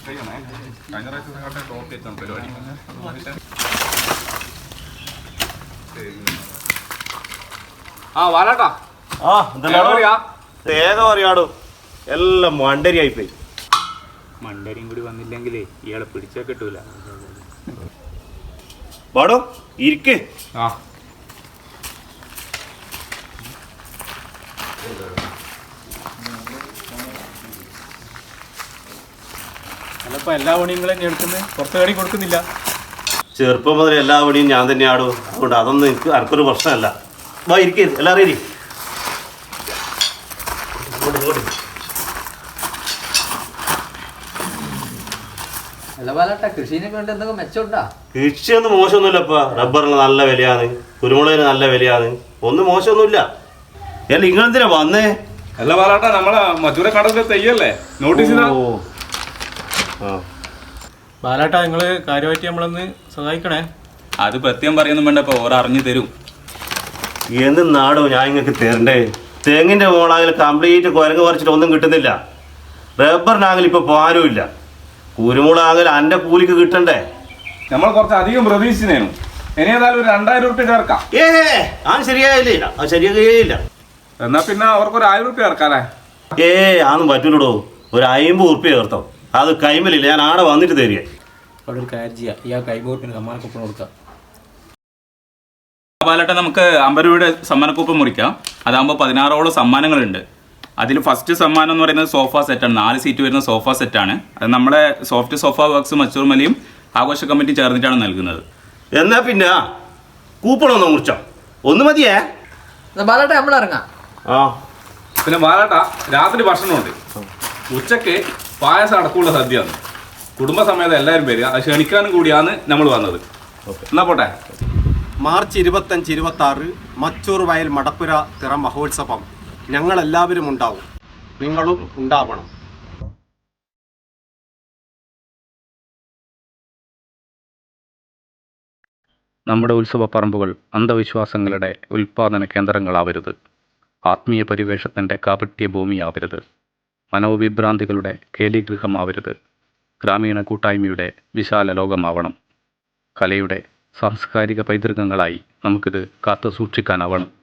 തേങ്ങ പറയാടോ എല്ലാം മണ്ടരിയായി പോയി. മണ്ടരിയും കൂടി വന്നില്ലെങ്കിലേ ഇയാളെ പിടിച്ചാൽ കിട്ടൂല. പാടോ ഇരിക്ക്. അല്ലപ്പോ എല്ലാ പണിയും തന്നെ എടുക്കുന്നത്, പുറത്ത് കടി കൊടുക്കുന്നില്ല. ചെറുപ്പം മുതൽ എല്ലാ പണിയും ഞാൻ തന്നെയാടോ, അതുകൊണ്ട് അതൊന്നും എനിക്ക് ആർക്കൊരു പ്രശ്നമല്ല. വാ ഇരിക്കേ, എല്ലാവരും ഇരി. കൃഷിയൊന്നും മോശമൊന്നുമില്ലപ്പാ. റബ്ബറിന് നല്ല വിലയാണ്, കുരുമുളകിന് നല്ല വിലയാണ്, ഒന്നും മോശമൊന്നുമില്ല. അല്ല നിങ്ങളെന്തിനാ വന്നേ? അല്ല പാലാട്ടാ, നമ്മളെ മധുര കടലിലെ തെയ്യല്ലേ, നോട്ടീസ് ചെയ്താ. ബാലാട്ടാ, നിങ്ങള് കാര്യമായിട്ട് നമ്മളൊന്ന് സഹായിക്കണേ. അത് പ്രത്യേകം പറയുന്നു വേണ്ട, ഇപ്പൊ ഓരോ അറിഞ്ഞു തരും. എന്ത് നാടോ ഞാൻ ഇങ്ങക്ക് തരണ്ടേ? തെങ്ങിന്റെ മോളാകിൽ കംപ്ലീറ്റ് കുരങ്ങ് പറിച്ചിട്ട് ഒന്നും കിട്ടുന്നില്ല. റബ്ബറിനാകിൽ ഇപ്പൊ പാലും ഇല്ല. കുരുമുളകാകിൽ അന്റെ കൂലിക്ക് കിട്ടണ്ടേ? നമ്മൾ കുറച്ച് അധികം പ്രതീക്ഷിച്ചേനു. ഇനി ഏതായാലും ഒരു 2000 റുപ്യ ചേർക്കാം. അത് ശരിയായില്ല, അത് ശരിയായില്ല. എന്നാ പിന്നെ അവർക്കൊരു 1000 റുപ്യ ചേർക്കാല്ലേ? അതൊന്നും പറ്റൂലടോ. ഒരു 50 റുപ്യ ചേർത്തോ. അത് കൈമലില്ല, ഞാൻ ആടെ വന്നിട്ട് തരിക. അവിടെ ഒരു കാര്യം ചെയ്യാം, ഈ കൈബോട്ടിന് സമ്മാനക്കുപ്പം കൊടുക്കാം. പാലട്ടെ, നമുക്ക് 50 രൂപയുടെ സമ്മാനക്കൂപ്പൺ മുറിക്കാം. അതാകുമ്പോൾ 16ഓളം സമ്മാനങ്ങളുണ്ട്. അതിൽ ഫസ്റ്റ് സമ്മാനം എന്ന് പറയുന്നത് സോഫ സെറ്റാണ്. 4 സീറ്റ് വരുന്ന സോഫ സെറ്റാണ്. അത് നമ്മുടെ സോഫ്റ്റ് സോഫ വർക്ക്സ് മച്ചൂർമലയും ആഘോഷ കമ്മിറ്റി ചേർന്നിട്ടാണ് നൽകുന്നത്. എന്നാ പിന്നെ കൂപ്പണൊന്ന് മുറിച്ചോ, ഒന്ന് മതിയേ. ബാലാട്ട നമ്മൾ ഇറങ്ങാം. പിന്നെ ബാലാട്ട, രാത്രി ഭക്ഷണമുണ്ട്. ഉച്ചക്ക് പായസം അടക്കമുള്ള സദ്യയാണ്. കുടുംബസമേതം എല്ലാവരും പേര്, അത് ക്ഷണിക്കാനും കൂടിയാണ് നമ്മൾ വന്നത്. എന്നാ പോട്ടെ. മാർച്ച് 25, 26 മച്ചൂർ വയൽ മടപ്പുര തിറ മഹോത്സവം. ഞങ്ങളെല്ലാവരും ഉണ്ടാവും, നിങ്ങളും ഉണ്ടാവണം. നമ്മുടെ ഉത്സവ പറമ്പുകൾ അന്ധവിശ്വാസങ്ങളുടെ ഉൽപാദന കേന്ദ്രങ്ങളാവരുത്. ആത്മീയ പരിവേഷത്തിൻ്റെ കാപട്യ ഭൂമിയാവരുത്. മനോവിഭ്രാന്തികളുടെ കേലിഗൃഹമാവരുത്. ഗ്രാമീണ കൂട്ടായ്മയുടെ വിശാല ലോകമാവണം. കലയുടെ സാംസ്കാരിക പൈതൃകങ്ങളായി നമുക്കിത് കാത്തു സൂക്ഷിക്കാനാവണം.